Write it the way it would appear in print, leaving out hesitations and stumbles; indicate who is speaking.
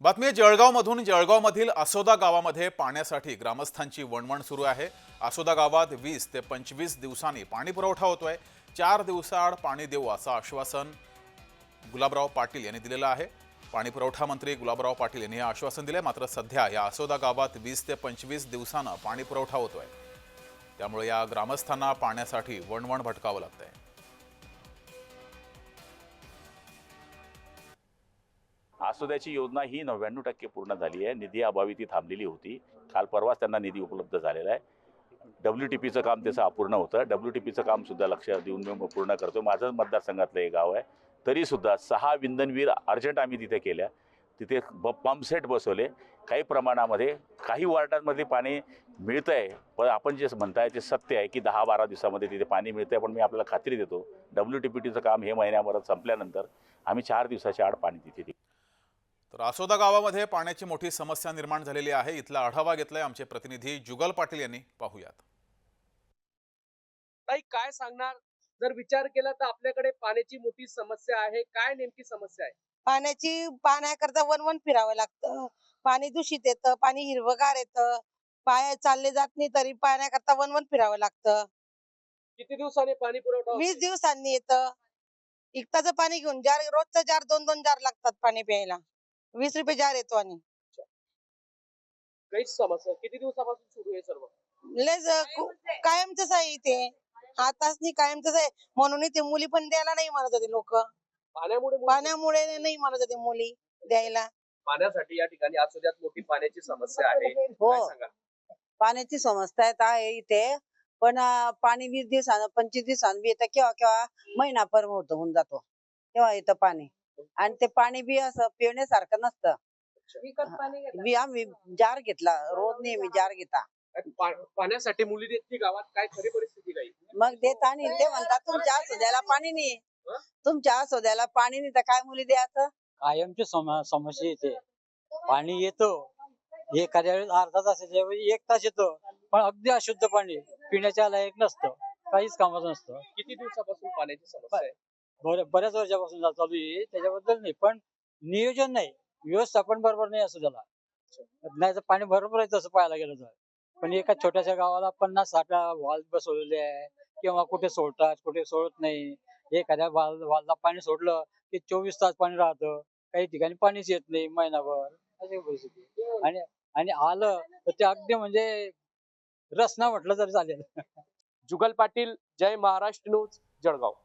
Speaker 1: बातमी जळगावमधून जळगावमधील आसोदा गावामध्ये पाण्यासाठी ग्रामस्थांची वणवण सुरू आहे। आसोदा गावात 20 ते 25 दिवसांनी पाणी पुरवठा होतोय। 4 दिवसाआड पाणी देऊ असं आश्वासन गुलाबराव पाटील यांनी दिलेलं आहे। पाणी पुरवठा मंत्री गुलाबराव पाटील यांनी हे आश्वासन दिले। मात्र सध्या या आसोदा गावात 20 ते 25 दिवसांना पाणी पुरवठा होतोय, त्यामुळे या ग्रामस्थांना पाण्यासाठी वणवण भटकावं लागतंय।
Speaker 2: आसोद्याची योजना ही 99% पूर्ण झाली आहे। निधी अभावी ती थांबलेली होती। काल परवाच त्यांना निधी उपलब्ध झालेला आहे। WTPचं काम त्याचं अपूर्ण होतं। WTPचं काम सुद्धा लक्ष देऊन मी पूर्ण करतो। माझं मतदारसंघातलं एक गाव आहे, तरी सुद्धा 6 विंधनवीर अर्जंट आम्ही तिथे केल्या। तिथे पंप सेट बसवले। काही प्रमाणामध्ये काही वॉर्डांमध्ये पाणी मिळतंय, पण आपण जे म्हणताय ते सत्य आहे की 10-12 दिवसामध्ये तिथे पाणी मिळतंय। पण मी आपल्याला खात्री देतो, WTPचं काम हे महिन्याभरात संपल्यानंतर आम्ही 4 दिवसाच्या आड पाणी तिथे देऊ।
Speaker 1: तर आसोदा गावामध्ये पाण्याची मोठी समस्या निर्माण झालेली आहे। इथला आढावा घेतलाय आमचे प्रतिनिधी जुगल पाटील यांनी। पाहूयात।
Speaker 3: ताई काय सांगणार? जर विचार केला तर आपल्याकडे पाण्याची मोठी समस्या आहे। काय नेमकी समस्या आहे?
Speaker 4: पाण्याकरता वन फिरावं लागतं। पाणी दूषित येतं, पाणी हिरवगार येतं, पाय चालले जात नाही तरी पाण्याकरता वन फिरावं लागतं।
Speaker 3: किती दिवसांनी पाणी पुरवठा होतो?
Speaker 4: 20 दिवसांनी येतं। इकताचं पाणी घेऊन जार, रोजचं जार 2-2 जार लागतात पाणी प्यायला। 20 रुपये जार येतो आणि
Speaker 3: काहीच समस्या किती दिवसापासून सुरू आहे सर्व?
Speaker 4: कायमच आहे इथे। आताच नाही, कायमच आहे। म्हणून इथे मुली पण द्यायला नाही म्हणत होते लोक। पाण्यामुळे नाही म्हणत होते मुली द्यायला।
Speaker 3: पाण्यासाठी या ठिकाणी आसोद्यात मोठी पाण्याची समस्या आहे।
Speaker 4: हो,
Speaker 3: काय सांगा?
Speaker 4: पाण्याची समस्या आहे इथे, पण पाणी 20 दिवसानं 25 दिवसांनी बी येतं। केव्हा केव्हा महिनाभर होऊन जातो तेव्हा येतं पाणी। आणि ते पाणी बी असं पिण्यासारखं नसतं। आम्ही जार घेतला, रोज नेहमी जार घेता।
Speaker 3: पाण्यासाठी मुली देत की गावात काय खरी परिस्थिती काही?
Speaker 4: मग देत आणि ते म्हणतात तुमच्या आसोद्याला पाणी नाही, तुमच्या आसोद्याला पाणी नाही तर काय मुली द्यायचं।
Speaker 5: कायमची समस्या येते। पाणी येतो एखाद्या वेळेस अर्धा तासाच्या वेळी 1 तास येतो, पण अगदी अशुद्ध पाणी, पिण्याच्या लायक नसतं, काहीच कामाचं नसतं।
Speaker 3: किती दिवसापासून पाण्याची समस्या आहे?
Speaker 5: बऱ्याच वर्षापासून चालू आहे, त्याच्याबद्दल नाही, पण नियोजन नाही, व्यवस्थापन बरोबर नाही असं त्याला। नाही तर पाणी भरपूर आहे तसं पाहायला गेलं तर, पण एका छोट्याशा गावाला 50-60 वाल बसवलेले आहे, किंवा कुठे सोडतात कुठे सोडत नाही। एखाद्या वालला पाणी सोडलं की 24 तास पाणी राहतं, काही ठिकाणी पाणीच येत नाही महिनाभर, अशी परिस्थिती। आणि आलं तर ते अगदी म्हणजे रसना म्हटलं तरी चालेल।
Speaker 3: जुगल पाटील, जय महाराष्ट्र न्यूज, जळगाव।